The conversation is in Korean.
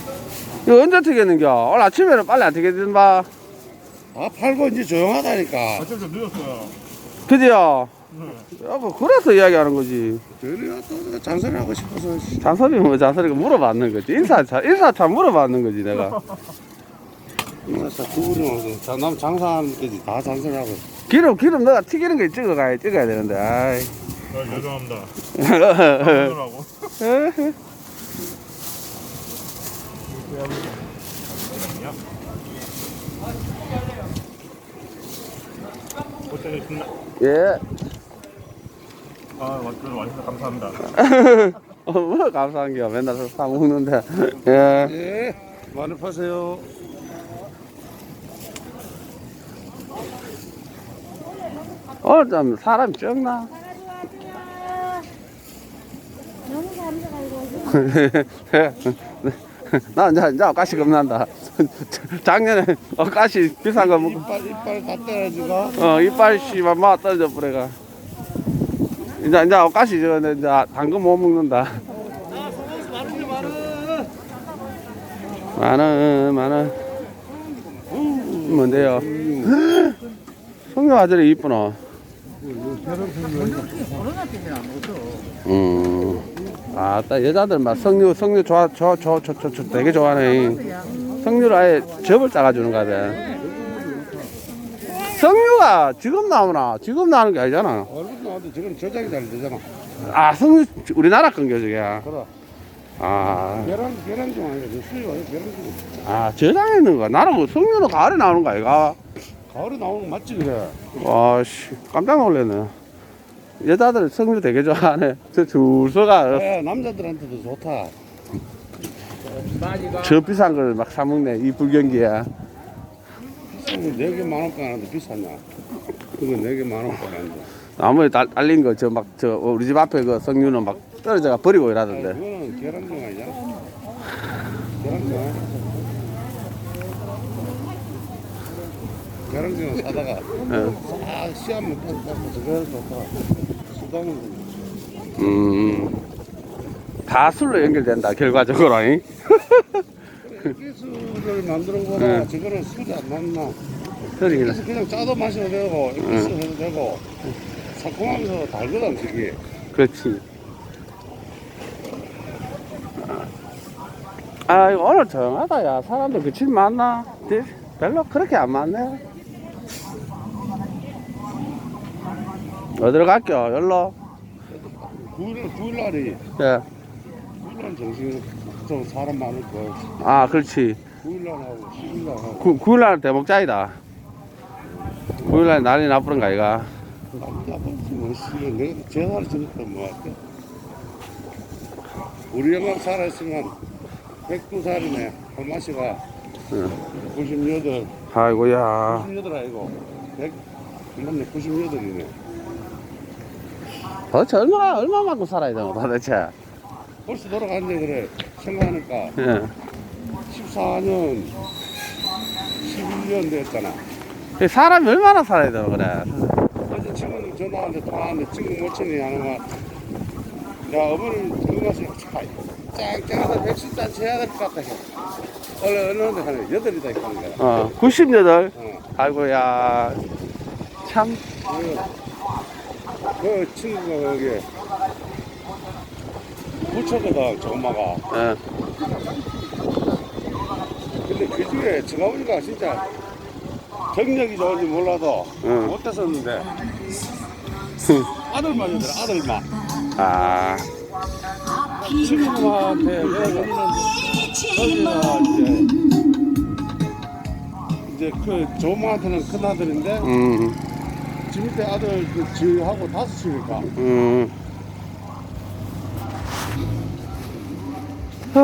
이거 언제 튀겠는겨? 오늘 아침에는 빨리 안 튀겠든 봐. 아, 팔고 이제 조용하다니까. 아침 좀 늦었어요. 그지요? 네. 야, 그래서 이야기하는 거지. 저희가 또 잔소리하고 싶어서. 잔소리 뭐 잔소리가 물어봤는 거지. 인사차 물어봤는 거지 내가. 인사차 두 분이 와서 남 장사하는 데까지 다 잔소리하고. 기름 너가 튀기는 거 찍어야 되는데. 아이. 죄송합니다. 하더라고. 고생했습니다. 예. 아, 와주셔서 감사합니다. 뭐 감사한 게 맨날 사 먹는데. 예. 예, 많이 파세요. 오늘 좀 사람이 적나? 너무 감사하고 나 이제 가시 겁난다. 작년에 가시 비싼 거 먹고 이빨 다 떨어지고. 이빨 씨만 막 떨어져 버려가. 이제 가시 저거 이제 당근 못 먹는다. 많은 뭔데요? 성녀 아들이 이쁘노. 아따 여자들 막 성류 좋아 되게 좋아하네. 성류를 아예 접을 짜가주는 거 같아. 성류가 지금 나오나? 지금 나오는 게 아니잖아. 얼굴 나와도 지금 저장이 잘 되잖아. 아 성류 우리나라 건겨 저게. 그래. 아, 계란 좀 아니야. 수익 아니야. 계란 좀. 아 저장에 있는 거야. 나는 뭐 성류는 가을에 나오는 거 아이가? 가을에 나오는 거 맞지 그래. 와씨 깜짝 놀랐네. 여자들 성류 되게 좋아하네. 저 줄서가 예, 남자들한테도 좋다. 저 비싼 걸 막 사먹네 이 불경기야. 비싼 거 4개 10,000원 하는데 비싸냐? 그거 4개 10,000원 하는데. 나무에 달린 거 저 막 저 우리 집 앞에 그 성류는 막 떨어져가 버리고 이러던데. 그거는 계란종 아니잖아. 계란종 아니야. 계란종을 사다가 싹 씨앗만 따고 저거 좋다. 수당은 다 술로 연결된다 결과적으로. 잉? 액기스를 만들어 보라. 저거는 술이 안 났나? 그러긴 그래서 그냥 짜도 마셔도 되고 액기스 해도 되고 새콤하면서 달거든 저게. 그렇지. 아 이거 오늘 조용하다 야. 사람들 그칠 많나? 별로 그렇게 안 많네. 어디로 갈게요? 열로? 9일날이 예. 9일날 정신 좀 사람 많을 거야. 아 그렇지. 9일날하고 10일날하고 9일날 대목자이다. 9일날 날이 나쁘는 거 아이가? 나쁜지 뭐 씨는 내가 전화를 주니까 뭐 할게. 우리 영감 살아있으면 102살이네. 할마씨가 98. 아이고야. 98 아니고 100 맞네 98이네. 도대체 얼마만큼 살아야 되노 도대체? 벌써 돌아갔네 그래. 생각하니까 예. 14년 11년 됐잖아. 사람이 얼마나 살아야 되노 그래? 어제 친구는 전화하는데 통화하는데 친구 모친이 하는 말. 야 어머니 건강하시고 짱짱하다 110잔 채야 될 것 같다 해. 원래 어느 데 하네 8이다 하는 거야. 98. 어. 아이고야. 참. 그 친구가 거기 부처거든 저 엄마가. 예. 근데 그 중에 정아버지가 진짜 경력이 좋은지 몰라도 못했었는데 아들만 이더라 아들만. 아. 친구한테 거기가 이제 그 조모한테는 큰 아들인데 지 밑에 아들 그 지하고 5이니까